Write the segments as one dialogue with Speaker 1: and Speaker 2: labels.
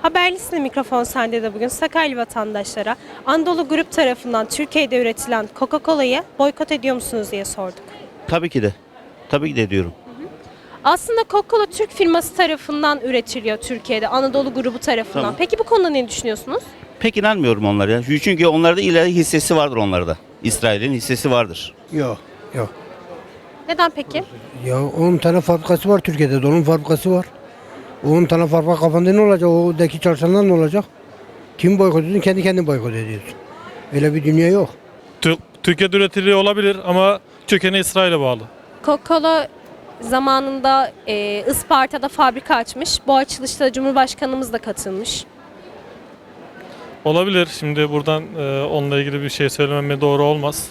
Speaker 1: Haberlisinde mikrofon sende de bugün Sakarya vatandaşlara Anadolu Grup tarafından Türkiye'de üretilen Coca-Cola'yı boykot ediyor musunuz diye sorduk.
Speaker 2: Tabii ki de. Tabii ki de diyorum.
Speaker 1: Aslında Coca-Cola Türk firması tarafından üretiliyor Türkiye'de, Anadolu Grubu tarafından.
Speaker 2: Tamam.
Speaker 1: Peki bu konuda ne düşünüyorsunuz?
Speaker 2: Pek inanmıyorum onlara ya. Çünkü onlarda ileri hissesi vardır onlarda. İsrail'in hissesi vardır.
Speaker 3: Yok, yok.
Speaker 1: Neden peki?
Speaker 3: Ya 10 tane fabrikası var Türkiye'de, donum fabrikası var. 10 tane fabrika kafanda ne olacak? Oradaki çalışanlar ne olacak? Kim boykot ediyorsun? Kendi kendini boykot ediyorsun. Öyle bir dünya yok.
Speaker 4: Türkiye'de üretiliyor olabilir ama kökeni İsrail'e bağlı.
Speaker 1: Coca-Cola zamanında Isparta'da fabrika açmış. Bu açılışta Cumhurbaşkanımız da katılmış.
Speaker 4: Olabilir. Şimdi buradan onunla ilgili bir şey söylemem doğru olmaz.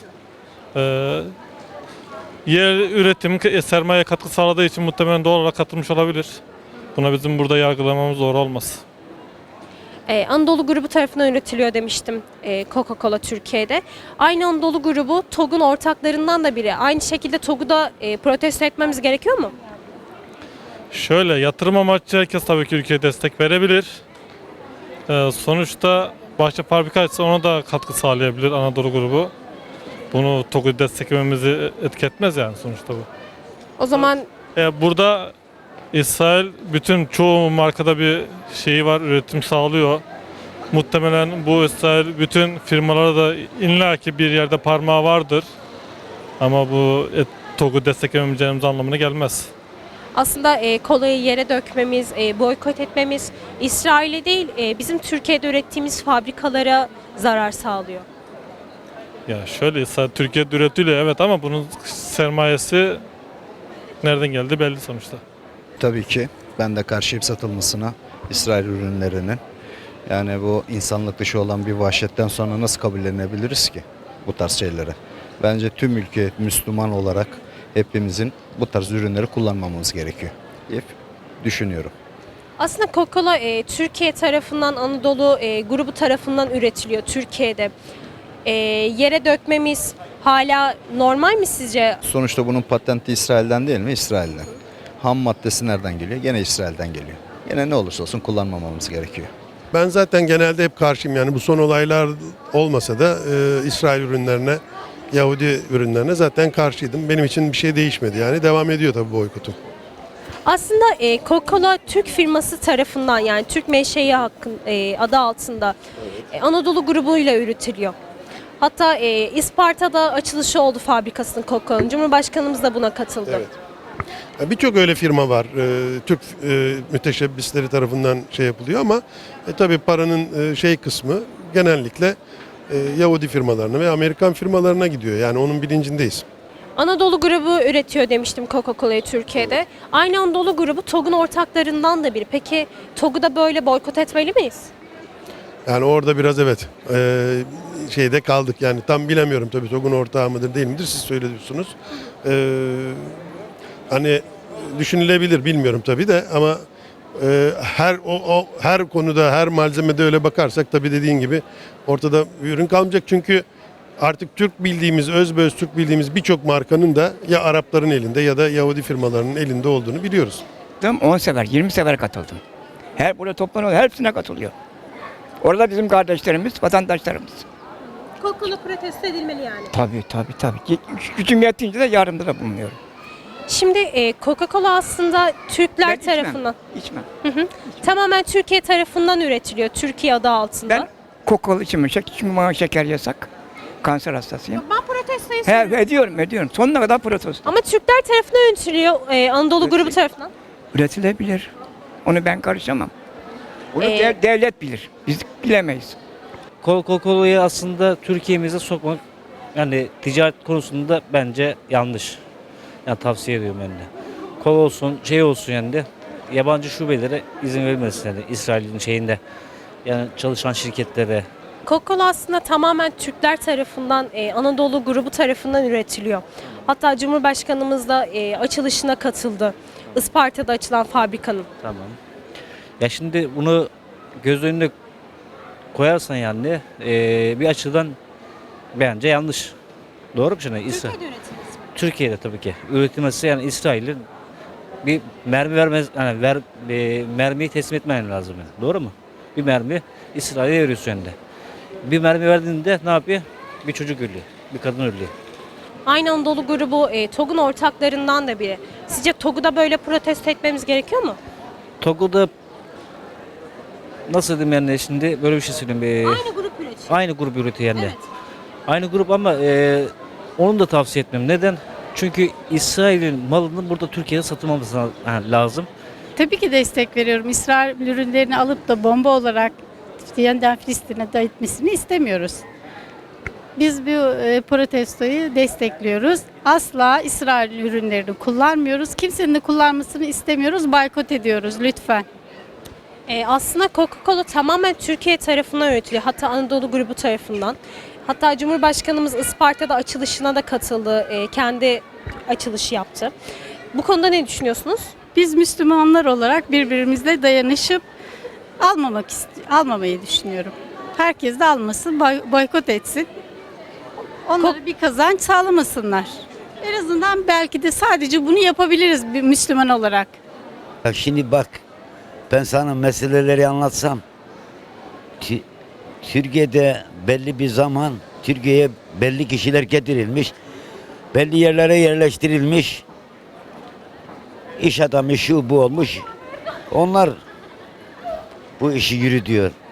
Speaker 4: Yer üretim sermaye katkı sağladığı için muhtemelen doğal olarak katılmış olabilir. Buna bizim burada yargılamamız doğru olmaz.
Speaker 1: Anadolu Grubu tarafından üretiliyor demiştim Coca-Cola Türkiye'de. Aynı Anadolu Grubu TOG'un ortaklarından da biri. Aynı şekilde TOG'u da protesto etmemiz gerekiyor mu?
Speaker 4: Şöyle yatırım amaçlı herkes tabii ki ülkeye destek verebilir. Sonuçta başta fabrika açsa ona da katkı sağlayabilir Anadolu Grubu. Bunu TOG'u desteklememizi etketmez yani sonuçta bu.
Speaker 1: O zaman
Speaker 4: Burada İsrail bütün çoğu markada bir şeyi var, üretim sağlıyor. Muhtemelen bu İsrail bütün firmalara da illaki bir yerde parmağı vardır. Ama bu TOG'u desteklemeyeceğimiz anlamına gelmez.
Speaker 1: aslında kolayı yere dökmemiz, boykot etmemiz İsrail'e değil bizim Türkiye'de ürettiğimiz fabrikalara zarar sağlıyor.
Speaker 4: Ya şöyle İsrail Türkiye'de üretiliyor evet ama bunun sermayesi nereden geldi belli sonuçta.
Speaker 5: Tabii ki ben de karşıyım satılmasına İsrail ürünlerinin. Yani bu insanlık dışı olan bir vahşetten sonra nasıl kabullenebiliriz ki bu tarz şeyleri? Bence tüm ülke Müslüman olarak hepimizin bu tarz ürünleri kullanmamamız gerekiyor diye düşünüyorum.
Speaker 1: Aslında Coca-Cola Türkiye tarafından, Anadolu Grubu tarafından üretiliyor Türkiye'de. Yere dökmemiz hala normal mi sizce?
Speaker 5: Sonuçta bunun patenti İsrail'den değil mi? İsrail'den. Ham maddesi nereden geliyor? Gene İsrail'den geliyor. Gene ne olursa olsun kullanmamamız gerekiyor.
Speaker 6: Ben zaten genelde hep karşıyım yani bu son olaylar olmasa da İsrail ürünlerine, Yahudi ürünlerine zaten karşıydım. Benim için bir şey değişmedi yani devam ediyor tabii boykotum.
Speaker 1: Aslında Coca-Cola Türk firması tarafından yani Türk menşei adı altında Anadolu grubuyla üretiliyor. Hatta Isparta'da açılışı oldu fabrikasının Coca-Cola'nın. Cumhurbaşkanımız da buna katıldı.
Speaker 6: Evet. Birçok öyle firma var. Türk müteşebbisleri tarafından şey yapılıyor ama tabii paranın kısmı genellikle Yahudi firmalarına ve Amerikan firmalarına gidiyor. Yani onun bilincindeyiz.
Speaker 1: Anadolu grubu üretiyor demiştim Coca-Cola'yı Türkiye'de. Aynı Anadolu grubu TOG'un ortaklarından da biri. Peki TOG'u da böyle boykot etmeli miyiz?
Speaker 6: Yani orada biraz evet şeyde kaldık yani tam bilemiyorum tabii TOG'un ortağı mıdır değil midir siz söylüyorsunuz. Hani düşünülebilir bilmiyorum tabii de ama her konuda her malzemede öyle bakarsak tabii dediğin gibi ortada bir ürün kalmayacak çünkü artık Türk bildiğimiz özbeöz Türk bildiğimiz birçok markanın da ya Arapların elinde ya da Yahudi firmalarının elinde olduğunu biliyoruz.
Speaker 7: 10 sefer, 20 sefer katıldım. Her burada toplanıyor, hepsine katılıyor. Orada bizim kardeşlerimiz, vatandaşlarımız.
Speaker 1: Coca-Cola protesto edilmeli yani.
Speaker 7: Tabii. Gücüm yettiğince de yardımda da bulunuyorum.
Speaker 1: Şimdi Coca-Cola aslında Türkler
Speaker 7: Ben
Speaker 1: tarafından,
Speaker 7: İçmem.
Speaker 1: tamamen Türkiye tarafından üretiliyor. Türkiye adı altında.
Speaker 7: Ben Coca-Cola içmem. Çünkü bana şeker yasak. Kanser hastasıyım.
Speaker 1: Ben protestoyu söylüyorum.
Speaker 7: Ediyorum. Sonuna kadar protesto.
Speaker 1: Ama Türkler tarafından üretiliyor Anadolu grubu tarafından.
Speaker 7: Üretilebilir. Onu ben karışamam. Bunu devlet bilir. Biz bilemeyiz.
Speaker 8: Coca-Cola'yı aslında Türkiye'mize sokmak yani ticaret konusunda bence yanlış. Yani tavsiye ediyorum ben de. Kola olsun, olsun yani de yabancı şubelere izin verilmesin yani İsrail'in şeyinde. Yani çalışan şirketlere.
Speaker 1: Coca-Cola aslında tamamen Türkler tarafından, Anadolu grubu tarafından üretiliyor. Hatta Cumhurbaşkanımız da açılışına katıldı. Isparta'da açılan fabrikanın.
Speaker 8: Tamam. Ya şimdi bunu göz önüne koyarsan yani bir açıdan bence yanlış. Doğru mu şimdi?
Speaker 1: Türkiye'de üretilmesi.
Speaker 8: Türkiye'de tabii ki. Üretilmesi yani İsrail'in bir mermi vermez yani mermiyi teslim etmen lazım yani. Doğru mu? Bir mermi İsrail'e veriyorsun hem de. Bir mermi verdiğinde ne yapıyor? Bir çocuk ölüyor, bir kadın ölüyor.
Speaker 1: Aynı Anadolu grubu TOG'un ortaklarından da biri. Sizce TOG'u da böyle protesto etmemiz gerekiyor mu?
Speaker 8: Togo'da nasıl diyeyim yani şimdi böyle bir şey söyleyeyim.
Speaker 1: Aynı grup üretiyor.
Speaker 8: Aynı grup üretiyor yani.
Speaker 1: Evet.
Speaker 8: Aynı grup ama onu da tavsiye etmem. Neden? Çünkü İsrail'in malının burada Türkiye'de satılmaması lazım.
Speaker 9: Tabii ki destek veriyorum. İsrail ürünlerini alıp da bomba olarak yeniden Filistin'e dağıtmasını istemiyoruz. Biz bu protestoyu destekliyoruz. Asla İsrail ürünlerini kullanmıyoruz. Kimsenin de kullanmasını istemiyoruz. Boykot ediyoruz lütfen.
Speaker 1: Aslında Coca-Cola tamamen Türkiye tarafından üretiliyor. Hatta Anadolu grubu tarafından. Hatta Cumhurbaşkanımız Isparta'da açılışına da katıldı. Kendi açılışı yaptı. Bu konuda ne düşünüyorsunuz?
Speaker 9: Biz Müslümanlar olarak birbirimizle dayanışıp almamayı düşünüyorum. Herkes de almasın, boykot etsin. Onlara bir kazanç sağlamasınlar. En azından belki de sadece bunu yapabiliriz bir Müslüman olarak.
Speaker 10: Ya şimdi bak, ben sana meseleleri anlatsam, Türkiye'de belli bir zaman Türkiye'ye belli kişiler getirilmiş, belli yerlere yerleştirilmiş, iş adamı şu bu olmuş, onlar bu işi yürütüyor.